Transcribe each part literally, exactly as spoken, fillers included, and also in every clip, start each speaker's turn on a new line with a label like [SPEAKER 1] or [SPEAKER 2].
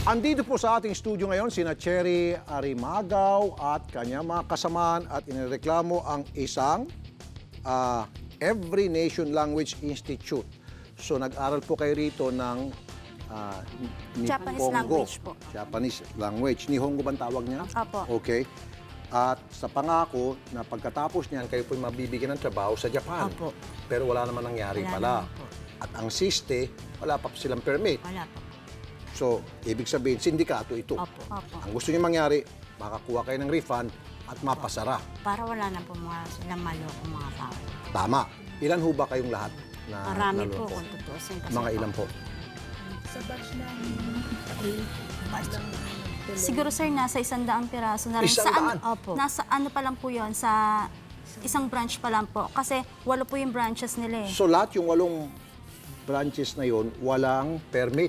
[SPEAKER 1] Andito po sa ating studio ngayon sina Cherry Arimagaw at kanyang mga kasamaan at inireklamo ang isang ah, Every Nation Language Institute. So nag-aral po kayo rito ng ah,
[SPEAKER 2] Japanese
[SPEAKER 1] Nihongo.
[SPEAKER 2] language po.
[SPEAKER 1] Japanese language. Nihongo bang tawag niya?
[SPEAKER 2] Apo.
[SPEAKER 1] Okay. At sa pangako na pagkatapos niyan, kayo po'y mabibigyan ng trabaho sa Japan.
[SPEAKER 2] Opo.
[SPEAKER 1] Pero wala naman nangyari
[SPEAKER 2] Wala
[SPEAKER 1] pala.
[SPEAKER 2] naman po.
[SPEAKER 1] At ang siste, wala pa silang permit.
[SPEAKER 2] Wala po.
[SPEAKER 1] So, ibig sabihin, sindikato ito.
[SPEAKER 2] Opo. Opo.
[SPEAKER 1] Ang gusto niyo mangyari, makakuha kayo ng refund at mapasara.
[SPEAKER 2] Para wala na po mga silang maloko mga tao.
[SPEAKER 1] Tama. Ilan ho ba kayong lahat na
[SPEAKER 2] Marami po
[SPEAKER 1] naloko?
[SPEAKER 2] kung tutusin. Kasi
[SPEAKER 1] Mga
[SPEAKER 2] po,
[SPEAKER 1] ilan po?
[SPEAKER 3] Sa batch namin,
[SPEAKER 2] Siguro sir, nasa isang daang piraso na rin.
[SPEAKER 1] Isang
[SPEAKER 2] Sa ano-
[SPEAKER 1] daan?
[SPEAKER 2] Opo. Nasa ano pa lang po yun, sa isang branch pa lang po. Kasi walo po yung branches nila eh.
[SPEAKER 1] So, lahat yung walong branches na yon walang permit.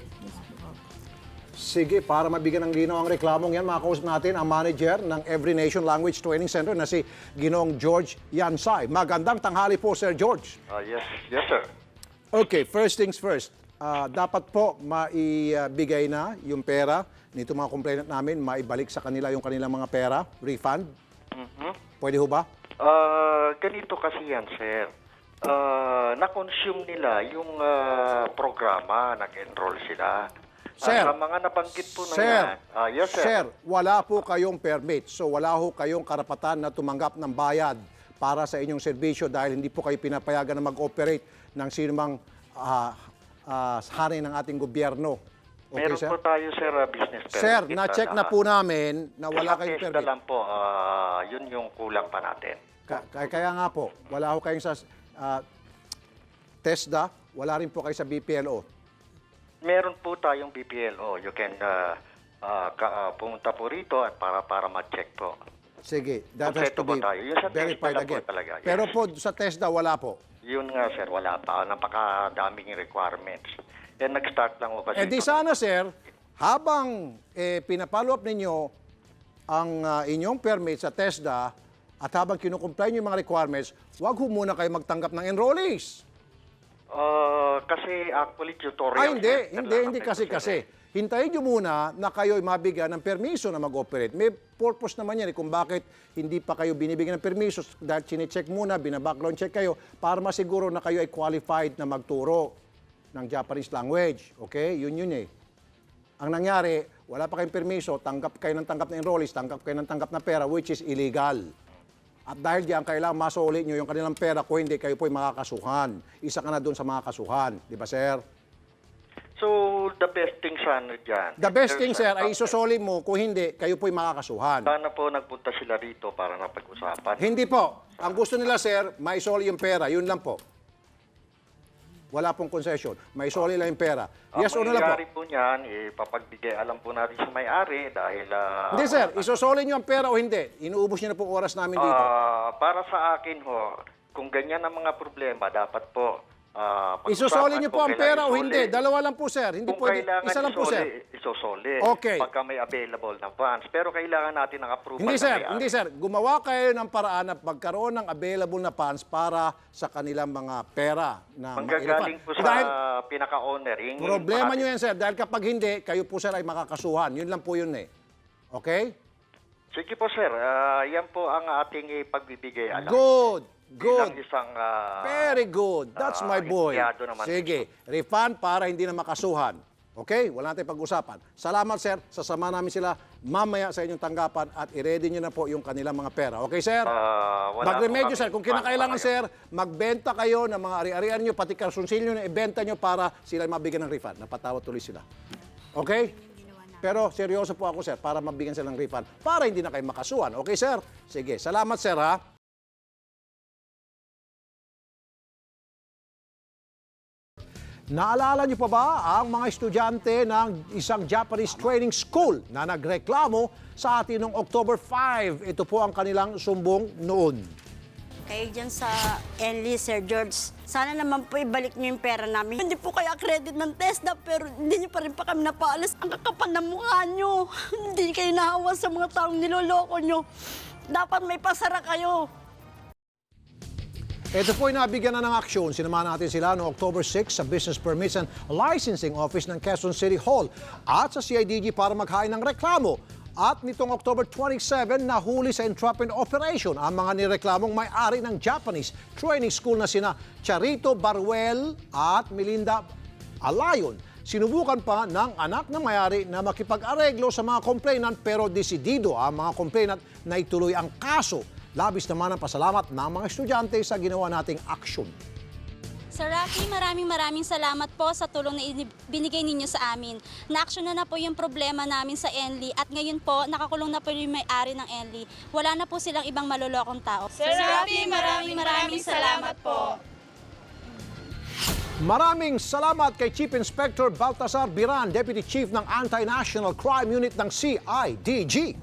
[SPEAKER 1] Sige, para mabigyan ng linaw ang reklamong yan, makakausap natin ang manager ng Every Nation Language Training Center na si Ginoong George Yansay. Magandang tanghali po, Sir George.
[SPEAKER 4] Uh, yes, yes, sir.
[SPEAKER 1] Okay, first things first. Ah, dapat po maibigay na yung pera nito mga complainant namin, maibalik sa kanila yung kanilang mga pera, refund.
[SPEAKER 4] Mhm.
[SPEAKER 1] Pwede ho ba?
[SPEAKER 4] Uh, ganito kasi yan, sir. Uh, na-consume nila yung uh, programa, nag-enroll sila. Ah,
[SPEAKER 1] Sir,
[SPEAKER 4] sa mga nabanggit po na
[SPEAKER 1] Sir,
[SPEAKER 4] yan. Ah, yes, sir.
[SPEAKER 1] Sir, wala po kayong permit. So wala ho kayong karapatan na tumanggap ng bayad para sa inyong serbisyo dahil hindi po kayo pinapayagan na mag-operate ng sinumang uh, uh, hari ng ating gobyerno. Okay,
[SPEAKER 4] Meron
[SPEAKER 1] sir?
[SPEAKER 4] po tayo, sir, uh, business permit.
[SPEAKER 1] Sir, na-check na
[SPEAKER 4] lahat.
[SPEAKER 1] po namin na wala
[SPEAKER 4] Sa
[SPEAKER 1] kayong
[SPEAKER 4] TESDA
[SPEAKER 1] permit.
[SPEAKER 4] lang po, ah, yun yung kulang pa natin.
[SPEAKER 1] Ka- kaya, kaya nga po, wala ho kayong sa uh, TESDA, wala rin po kayo sa B P L O.
[SPEAKER 4] Meron po tayong B P L O. You can uh, uh, ka, uh, pumunta po rito at para para ma-check po.
[SPEAKER 1] Sige, that has to
[SPEAKER 4] Kompleto po
[SPEAKER 1] be
[SPEAKER 4] tayo. Yung sa
[SPEAKER 1] verified
[SPEAKER 4] TESDA lang po
[SPEAKER 1] again.
[SPEAKER 4] talaga, yes.
[SPEAKER 1] Pero po sa TESDA, wala po.
[SPEAKER 4] Yun nga, sir, wala pa. Napakadaming requirements. And nag-start lang po kasi.
[SPEAKER 1] Eh di
[SPEAKER 4] ito.
[SPEAKER 1] sana, sir, habang eh, pinapollow up ninyo ang ah, inyong permit sa TESDA at habang kinukumply nyo yung mga requirements, wag ho muna kayo magtanggap ng enrollees.
[SPEAKER 4] Uh, kasi actually tutorial.
[SPEAKER 1] Ay, hindi,
[SPEAKER 4] center
[SPEAKER 1] hindi,
[SPEAKER 4] lang
[SPEAKER 1] hindi
[SPEAKER 4] kami
[SPEAKER 1] kasi
[SPEAKER 4] po, sir,
[SPEAKER 1] kasi.
[SPEAKER 4] eh.
[SPEAKER 1] Hintayin nyo muna na kayo'y mabigyan ng permiso na mag-operate. May purpose naman yan eh, kung bakit hindi pa kayo binibigyan ng permiso dahil chinecheck muna, binabackground check kayo para masiguro na kayo ay qualified na magturo ng Japanese language. Okay? Yun yun eh. Ang nangyari, wala pa kayong permiso, tanggap kayo ng tanggap na enrollees, tanggap kayo ng tanggap na pera, which is illegal. At dahil diyan, kailangan masuli nyo yung kanilang pera, kung hindi, kayo po'y makakasuhan. Isa ka na doon sa mga kasuhan. Di ba, sir?
[SPEAKER 4] So, the best thing sana dyan.
[SPEAKER 1] The best
[SPEAKER 4] There's
[SPEAKER 1] thing, sir,
[SPEAKER 4] a-
[SPEAKER 1] ay isusoli mo. Kung hindi, kayo po'y makakasuhan.
[SPEAKER 4] Sana po nagpunta sila rito para napag-usapan.
[SPEAKER 1] Hindi po. Ang gusto nila, sir, maisoli yung pera. Yun lang po. Wala pong concession. Maisoli lang yung pera. Yes or no
[SPEAKER 4] Ang
[SPEAKER 1] lang po?
[SPEAKER 4] mangyayari po niyan, eh, papagbigay alam po natin sa may-ari dahil... ah,
[SPEAKER 1] Hindi, sir. Isusoli nyo ang pera o hindi. Inuubos nyo na po oras namin dito.
[SPEAKER 4] ah, para sa akin ho, kung ganyan ang mga problema, dapat po... ah, pag-usapan
[SPEAKER 1] Isusoli nyo po
[SPEAKER 4] kung
[SPEAKER 1] ang
[SPEAKER 4] kailangan
[SPEAKER 1] pera o
[SPEAKER 4] isoli.
[SPEAKER 1] hindi. Dalawa lang po, sir. Hindi
[SPEAKER 4] Kung
[SPEAKER 1] pwede.
[SPEAKER 4] kailangan
[SPEAKER 1] Isa lang po,
[SPEAKER 4] isoli,
[SPEAKER 1] sir.
[SPEAKER 4] isusoli.
[SPEAKER 1] Okay.
[SPEAKER 4] Pagka may available na funds. Pero kailangan natin ng approval.
[SPEAKER 1] Hindi,
[SPEAKER 4] ng
[SPEAKER 1] sir.
[SPEAKER 4] may-ari.
[SPEAKER 1] Hindi, sir. Gumawa kayo ng paraan na magkaroon ng available na funds para sa kanilang mga pera na
[SPEAKER 4] Manggagaling po sa
[SPEAKER 1] Dahil
[SPEAKER 4] pinaka-owner. Yun yung
[SPEAKER 1] problema
[SPEAKER 4] parati-
[SPEAKER 1] nyo yan, sir. Dahil kapag hindi, kayo po, sir, ay makakasuhan. Yun lang po yun eh. Okay?
[SPEAKER 4] Sige po, sir. Ah, yan po ang ating ipagbibigay. Alam.
[SPEAKER 1] Good.
[SPEAKER 4] Bilang
[SPEAKER 1] Good.
[SPEAKER 4] isang... ah,
[SPEAKER 1] Very good. That's
[SPEAKER 4] ah,
[SPEAKER 1] my boy.
[SPEAKER 4] empleyado naman.
[SPEAKER 1] Sige. Refund para hindi na makasuhan. Okay? Wala natin pag-usapan. Salamat, sir. Sasama namin sila mamaya sa inyong tanggapan at i-ready nyo na po yung kanilang mga pera. Okay, sir?
[SPEAKER 4] Ah, wala
[SPEAKER 1] Magremedyo,
[SPEAKER 4] po
[SPEAKER 1] sir.
[SPEAKER 4] kami.
[SPEAKER 1] Kung kinakailangan,
[SPEAKER 4] Paano
[SPEAKER 1] sir, magbenta kayo ng mga ari-arian nyo, pati karsunsilyo na ibenta nyo para sila mabigyan ng refund. Napatawad tuloy sila. Okay? Pero seryoso po ako, sir, para mabigyan sila ng refund. Para hindi na kayo makasuhan. Okay, sir? Sige. Salamat, sir, ha? Naalala niyo pa ba ang mga estudyante ng isang Japanese training school na nagreklamo sa atin noong October fifth? Ito po ang kanilang sumbong noon.
[SPEAKER 2] Kayo dyan sa Enli, Sir George, sana naman po ibalik niyo yung pera namin. Hindi po kayo credit ng TESDA, pero hindi niyo pa rin pa kami napaalis. Ang kakapal ng mukha niyo. Hindi kayo nahawa sa mga taong niloloko niyo. Dapat may pasara kayo.
[SPEAKER 1] Ito po ay nabigyan na ng aksyon. Sinamahan natin sila noong October six sa Business Permits and Licensing Office ng Quezon City Hall at sa C I D G para maghain ng reklamo. At nitong October twenty-seven, nahuli sa entrapment operation ang mga nireklamong may-ari ng Japanese training school na sina Charito Baruel at Melinda Alayon. Sinubukan pa ng anak ng may-ari na makipag-areglo sa mga complainant pero desidido ang mga complainant na ituloy ang kaso. Labis naman ang pasalamat ng mga estudyante sa ginawa nating aksyon.
[SPEAKER 5] Sir Rafi, maraming maraming salamat po sa tulong na inib- binigay ninyo sa amin. Na-action na na po yung problema namin sa Enli at ngayon po nakakulong na po yung may-ari ng Enli. Wala na po silang ibang malulokong tao.
[SPEAKER 3] Sir Rafi, maraming maraming salamat po.
[SPEAKER 1] Maraming salamat kay Chief Inspector Baltasar Biran, Deputy Chief ng Anti-National Crime Unit ng C I D G.